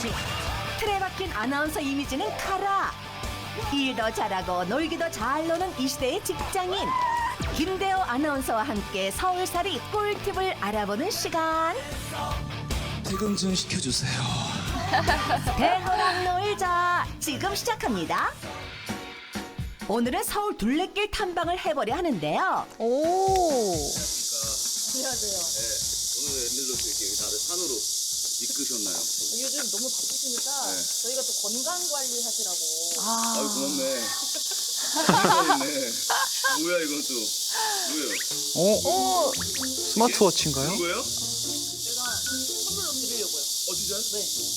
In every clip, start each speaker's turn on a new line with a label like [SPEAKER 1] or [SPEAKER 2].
[SPEAKER 1] 이미지. 틀에 박힌 아나운서 이미지는 카라. 일도 잘하고 놀기도 잘 노는 이 시대의 직장인 김대호 아나운서와 함께 서울살이 꿀팁을 알아보는 시간.
[SPEAKER 2] 퇴근 좀 시켜주세요.
[SPEAKER 1] 대호랑 놀자 지금 시작합니다. 오늘은 서울 둘레길 탐방을 해보려 하는데요.
[SPEAKER 3] 오.
[SPEAKER 4] 안녕하세요.
[SPEAKER 2] 오늘 웬일로 이렇게 다들 산으로 이끄셨나요?
[SPEAKER 4] 요즘 너무 바쁘시니까 저희가 또 건강 관리 하시라고.
[SPEAKER 2] 아유 고맙네. 있네. 뭐야 이건 또 뭐예요?
[SPEAKER 5] 스마트워치인가요?
[SPEAKER 2] 뭐예요?
[SPEAKER 4] 제가 선물로 드리려고요.
[SPEAKER 2] 진짜요?
[SPEAKER 4] 네.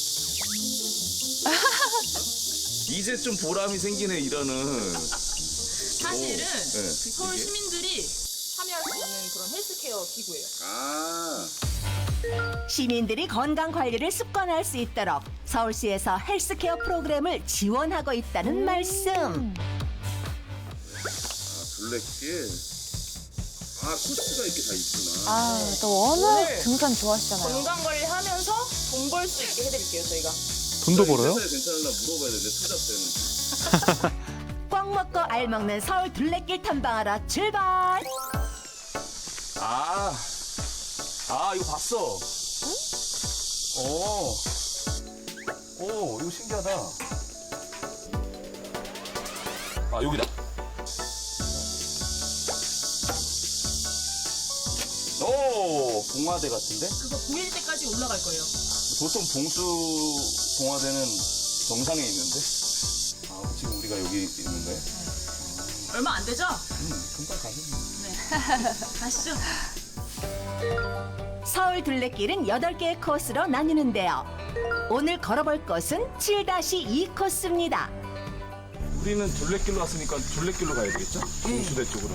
[SPEAKER 2] 이제 좀 보람이 생기네 일하는.
[SPEAKER 4] 사실은
[SPEAKER 2] 네.
[SPEAKER 4] 그 서울 시민들이 참여할 수 있는 그런 헬스케어 기구예요.
[SPEAKER 2] 아.
[SPEAKER 1] 시민들이 건강 관리를 습관할 수 있도록 서울시에서 헬스케어 프로그램을 지원하고 있다는 말씀.
[SPEAKER 2] 둘레길. 아 코스가 이렇게 다 있구나.
[SPEAKER 3] 아, 또 워낙
[SPEAKER 4] 오늘
[SPEAKER 3] 등산 좋아하시잖아요.
[SPEAKER 4] 건강 관리 하면서 돈 벌 수 있게 해드릴게요, 저희가.
[SPEAKER 5] 돈도 벌어요?
[SPEAKER 2] 괜찮을라 물어봐야 되는데 투잡 때는.
[SPEAKER 1] 꽉 먹고 알 먹는 서울 둘레길 탐방하러 출발.
[SPEAKER 2] 이거 봤어. 오, 이거 신기하다. 여기다. 오, 봉화대 같은데?
[SPEAKER 4] 그거 보일 때까지 올라갈 거예요.
[SPEAKER 2] 보통 봉수 봉화대는 정상에 있는데? 지금 우리가 여기 있는 거예요?
[SPEAKER 4] 얼마 안 되죠?
[SPEAKER 2] 금방 가겠네.
[SPEAKER 4] 네. 가시죠.
[SPEAKER 1] 서울 둘레길은 8개의 코스로 나뉘는데요. 오늘 걸어볼 곳은 7-2 코스입니다.
[SPEAKER 6] 우리는 둘레길로 왔으니까 둘레길로 가야 되겠죠? 봉수대 쪽으로.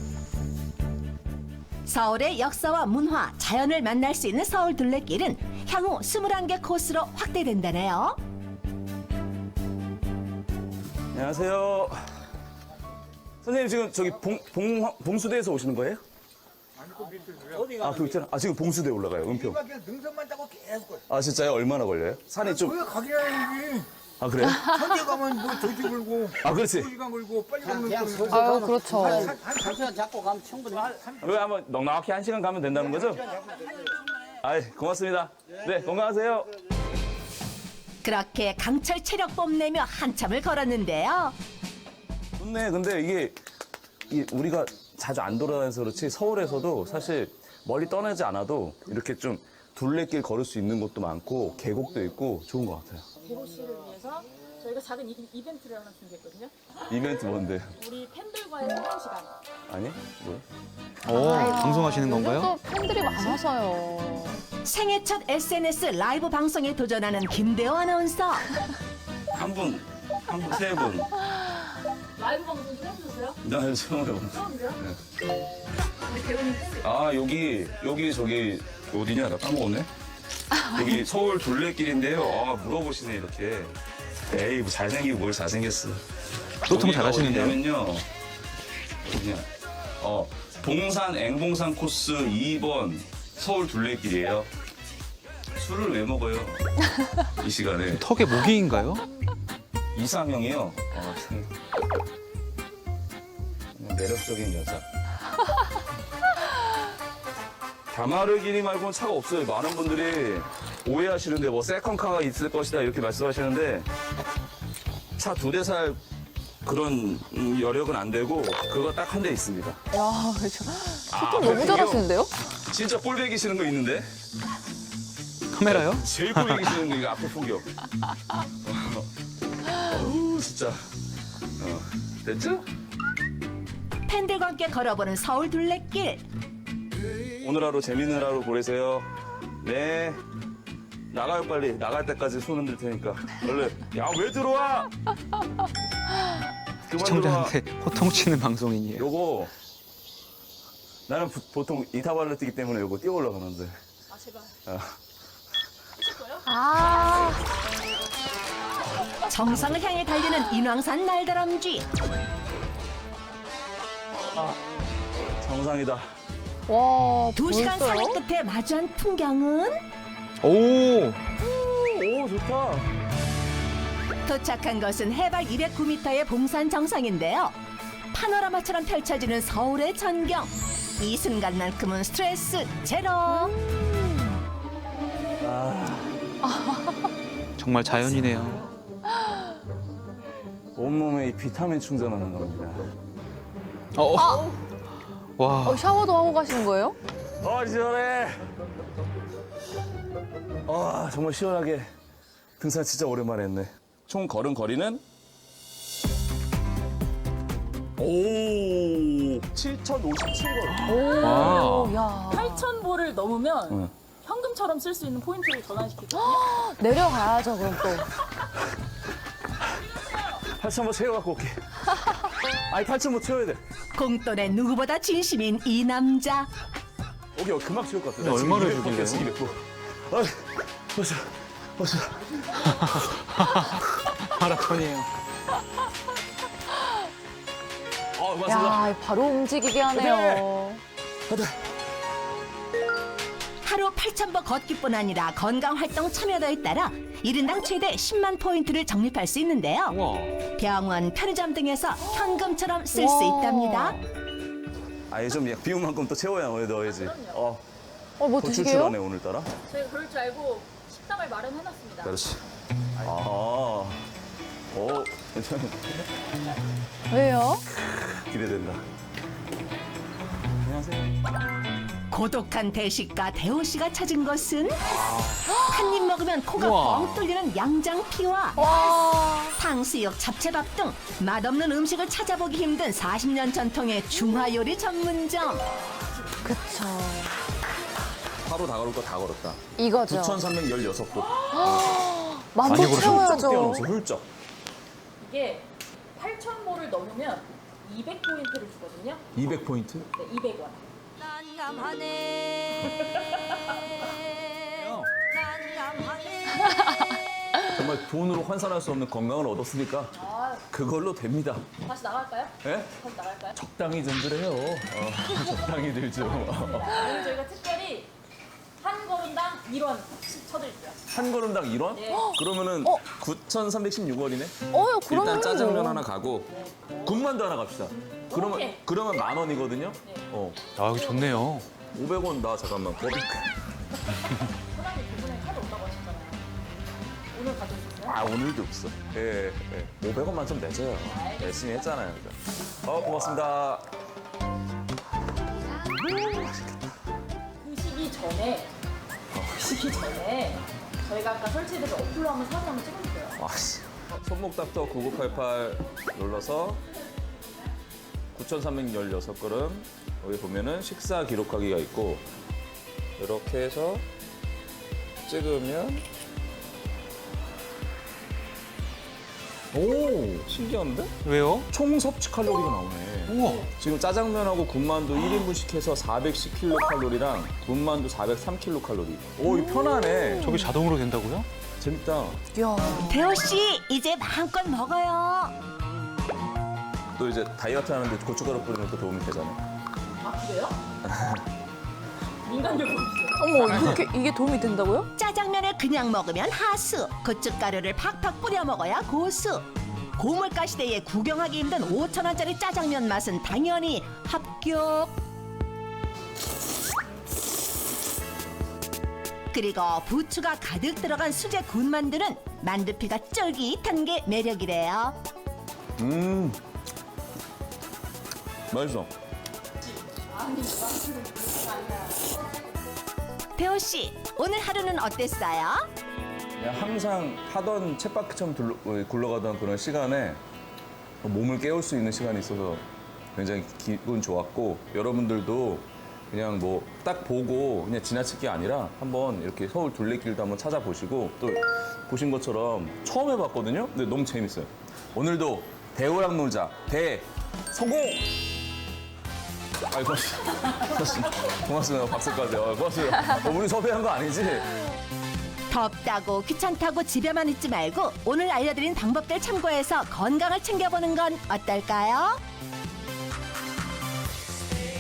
[SPEAKER 1] 서울의 역사와 문화, 자연을 만날 수 있는 서울 둘레길은 향후 21개 코스로 확대된다네요.
[SPEAKER 2] 안녕하세요. 선생님 지금 저기 봉수대에서 오시는 거예요? 그 있잖아. 지금 봉수대 올라가요. 은평.
[SPEAKER 7] 능선만 타고 계속
[SPEAKER 2] 진짜요? 얼마나 걸려요? 산이 좀.
[SPEAKER 7] 거기 가기라야지.
[SPEAKER 2] 그래요?
[SPEAKER 7] 현재 가면 뭐 저기 걸고
[SPEAKER 2] 그렇지.
[SPEAKER 7] 2시간 걸고 빨리 가면
[SPEAKER 3] 아유, 그렇죠.
[SPEAKER 7] 한 시간 잡고 가면 충분히
[SPEAKER 2] 왜 한번 넉넉히 1시간 가면 된다는 거죠? 고맙습니다. 네, 건강하세요.
[SPEAKER 1] 그렇게 강철 체력 뽐내며 한참을 걸었는데요.
[SPEAKER 2] 좋네. 근데 이게 우리가 자주 안 돌아다녀서 그렇지 서울에서도 사실 멀리 떠나지 않아도 이렇게 좀 둘레길 걸을 수 있는 곳도 많고 계곡도 있고 좋은 것 같아요.
[SPEAKER 4] 대호 씨를 위해서 저희가 작은 이벤트를 하나 준비했거든요.
[SPEAKER 2] 이벤트 뭔데?
[SPEAKER 4] 우리 팬들과의 소통 시간.
[SPEAKER 2] 아니? 뭐야?
[SPEAKER 5] 방송하시는
[SPEAKER 3] 요즘
[SPEAKER 5] 건가요?
[SPEAKER 3] 또 팬들이 많아서요.
[SPEAKER 1] 생애 첫 SNS 라이브 방송에 도전하는 김대호 아나운서.
[SPEAKER 2] 한 분, 세 분.
[SPEAKER 4] 라이브 방송 좀 해주셨어요?
[SPEAKER 2] 나 처음 해본.
[SPEAKER 4] 처음이세요? 우리 대호님
[SPEAKER 2] 여기 저기 어디냐? 나 까먹었네. 여기 서울 둘레길인데요. 물어보시네 이렇게. 에이 뭐 잘생기고 뭘 잘생겼어.
[SPEAKER 5] 소통
[SPEAKER 2] 여기가
[SPEAKER 5] 잘하시는데요?
[SPEAKER 2] 어디냐면요. 어디냐? 봉산 앵봉산 코스 2번 서울 둘레길이에요. 술을 왜 먹어요? 이 시간에.
[SPEAKER 5] 턱에 모기인가요?
[SPEAKER 2] 이상형이요. 매력적인 여자. 다마르기니 말고는 차가 없어요. 많은 분들이 오해하시는데 뭐 세컨카가 있을 것이다 이렇게 말씀하시는데 차 2대 살 그런 여력은 안 되고 그거 딱 한 대 있습니다.
[SPEAKER 3] 야, 그렇죠. 소통 너무
[SPEAKER 2] 그래요?
[SPEAKER 3] 잘하시는데요?
[SPEAKER 2] 진짜 꼴배기 싫은 거 있는데
[SPEAKER 5] 카메라요?
[SPEAKER 2] 제일 꼴배기 싫은 거 이거 앞에 폭격. 진짜. 됐죠?
[SPEAKER 1] 팬들과 함께 걸어보는 서울 둘레길.
[SPEAKER 2] 오늘 하루 재밌는 하루 보내세요. 네. 나가요 빨리. 나갈 때까지 손 흔들 테니까. 얼른. 야 왜 들어와? 그만 들어와.
[SPEAKER 5] 시청자한테 호통치는 방송인이에요.
[SPEAKER 2] 요거 나는 보통 이타발로 뛰기 때문에 요거 뛰어 올라가는데.
[SPEAKER 4] 제발.
[SPEAKER 3] 아,
[SPEAKER 1] 정상을 향해 달리는 인왕산 날다람쥐.
[SPEAKER 2] 정상이다.
[SPEAKER 3] 와,
[SPEAKER 1] 2시간
[SPEAKER 3] 벌써요?
[SPEAKER 1] 산행 끝에 마주한 풍경은
[SPEAKER 5] 오!
[SPEAKER 2] 오, 좋다.
[SPEAKER 1] 도착한 것은 해발 209m의 봉산 정상인데요. 파노라마처럼 펼쳐지는 서울의 전경. 이 순간만큼은 스트레스 제로.
[SPEAKER 5] 정말 자연이네요.
[SPEAKER 2] 온몸에 이 비타민 충전하는 겁니다.
[SPEAKER 5] 와,
[SPEAKER 3] 샤워도 하고 가시는 거예요?
[SPEAKER 2] 시원해. 정말 시원하게 등산 진짜 오랜만에 했네. 총 걸은 거리는 7,057걸.
[SPEAKER 3] 오, 야.
[SPEAKER 4] 8,000보를 넘으면
[SPEAKER 2] 응.
[SPEAKER 4] 현금처럼 쓸 수 있는 포인트를 전환시키거든요.
[SPEAKER 3] 내려가야죠, 그럼 또.
[SPEAKER 2] 8,000보 채워갖고 올게. 아니 8,000보 채워야 돼.
[SPEAKER 1] 공돈에 누구보다 진심인 이 남자.
[SPEAKER 2] 오케이, 금방 채울 것 같아.
[SPEAKER 5] 근데 얼마를 주길래요?
[SPEAKER 2] 200보. 벌써.
[SPEAKER 5] 마라톤이에요.
[SPEAKER 2] 고맙습니다.
[SPEAKER 3] 야, 바로 움직이게 하네요.
[SPEAKER 1] 하루 8,000보 걷기뿐 아니라 건강활동 참여도에 따라 1인당 최대 10만 포인트를 적립할 수 있는데요.
[SPEAKER 5] 우와.
[SPEAKER 1] 병원, 편의점 등에서 현금처럼 쓸 수
[SPEAKER 3] 와.
[SPEAKER 1] 있답니다.
[SPEAKER 2] 아니 좀 비운 만큼 또 채워야 오늘 넣어야지.
[SPEAKER 3] 뭐
[SPEAKER 2] 더
[SPEAKER 3] 드시게요?
[SPEAKER 2] 출출하네 오늘따라.
[SPEAKER 4] 저희가 그럴 줄 알고 식당을 마련해놨습니다.
[SPEAKER 2] 그렇지. 괜찮아.
[SPEAKER 3] 왜요?
[SPEAKER 2] 기대된다. 안녕하세요.
[SPEAKER 1] 고독한 대식가 대호 씨가 찾은 것은 한 입 먹으면 코가
[SPEAKER 5] 우와.
[SPEAKER 1] 뻥 뚫리는 양장피와
[SPEAKER 3] 와.
[SPEAKER 1] 탕수육, 잡채밥 등 맛없는 음식을 찾아보기 힘든 40년 전통의 중화요리 전문점.
[SPEAKER 3] 그쵸.
[SPEAKER 2] 하루 다 걸을 거 다 걸었다.
[SPEAKER 3] 이거죠.
[SPEAKER 2] 9,316보.
[SPEAKER 3] 만보
[SPEAKER 5] 걸으셨네.
[SPEAKER 3] 채워야죠.
[SPEAKER 2] 뛰어넘었어, 훌쩍.
[SPEAKER 4] 이게 8,000보를 넘으면 200포인트를 주거든요.
[SPEAKER 2] 200포인트?
[SPEAKER 4] 네, 200원.
[SPEAKER 2] 정말 돈으로 환산할 수 없는 건강을 얻었으니까 그걸로 됩니다.
[SPEAKER 4] 다시 나갈까요?
[SPEAKER 2] 예?
[SPEAKER 4] 다시 나갈까요?
[SPEAKER 2] 적당히 좀 그래요. 적당히 들죠.
[SPEAKER 4] 오늘 저희가 특별히 한 걸음당 1원씩 쳐드릴게요.
[SPEAKER 2] 한 걸음당 1원?
[SPEAKER 4] 네.
[SPEAKER 2] 그러면은 9,316원이네?
[SPEAKER 3] 그러면.
[SPEAKER 2] 일단 짜장면 하나 가고 군만두 하나 갑시다.
[SPEAKER 4] 오케이.
[SPEAKER 2] 그러면 10,000원이거든요?
[SPEAKER 4] 네.
[SPEAKER 5] 아, 이거 좋네요.
[SPEAKER 2] 500원 나 잠깐만.
[SPEAKER 4] 사장님 그분에 카드 없다고 하셨잖아요. 오늘 가져오셨어요?
[SPEAKER 2] 오늘도 없어. 예. 500원만 좀 내줘요. 열심히 했잖아요. 그죠? 고맙습니다.
[SPEAKER 4] 드시기 전에 저희가 아까 설치해드린 어플로 한번 사진 한번 찍어주세요.
[SPEAKER 2] 아씨. 손목닥터 9988 눌러서 9,316걸음. 여기 보면은 식사 기록하기가 있고 이렇게 해서 찍으면 오, 신기한데?
[SPEAKER 5] 왜요?
[SPEAKER 2] 총 섭취 칼로리가 나오네.
[SPEAKER 5] 우와.
[SPEAKER 2] 지금 짜장면하고 군만두 1인분씩 해서 410kcal랑 군만두 403kcal. 오, 이거 편하네.
[SPEAKER 5] 저게 자동으로 된다고요?
[SPEAKER 2] 재밌다.
[SPEAKER 3] 야.
[SPEAKER 1] 대호 씨, 이제 마음껏 먹어요.
[SPEAKER 2] 또 이제 다이어트 하는데 고춧가루 뿌리면 또 도움이 되잖아.
[SPEAKER 4] 아 그래요? 민간요법이죠.
[SPEAKER 3] 어머, 이게 도움이 된다고요?
[SPEAKER 1] 짜장면을 그냥 먹으면 하수, 고춧가루를 팍팍 뿌려 먹어야 고수. 고물가 시대에 구경하기 힘든 5,000원짜리 짜장면 맛은 당연히 합격. 그리고 부추가 가득 들어간 수제 군만두는 만두피가 쫄깃한 게 매력이래요.
[SPEAKER 2] 맛있어.
[SPEAKER 1] 대호 씨, 오늘 하루는 어땠어요?
[SPEAKER 2] 그냥 항상 하던 쳇바퀴처럼 굴러가던 그런 시간에 몸을 깨울 수 있는 시간이 있어서 굉장히 기분 좋았고, 여러분들도 그냥 뭐 딱 보고 그냥 지나칠 게 아니라 한번 이렇게 서울 둘레길도 한번 찾아보시고, 또 보신 것처럼 처음 해봤거든요. 근데 너무 재밌어요. 오늘도 대호랑 놀자. 성공! 아이, 고맙습니다. 고맙습니다. 박수까지. 고맙습니다. 우리 섭외한 거 아니지?
[SPEAKER 1] 덥다고 귀찮다고 집에만 있지 말고 오늘 알려드린 방법들 참고해서 건강을 챙겨보는 건 어떨까요?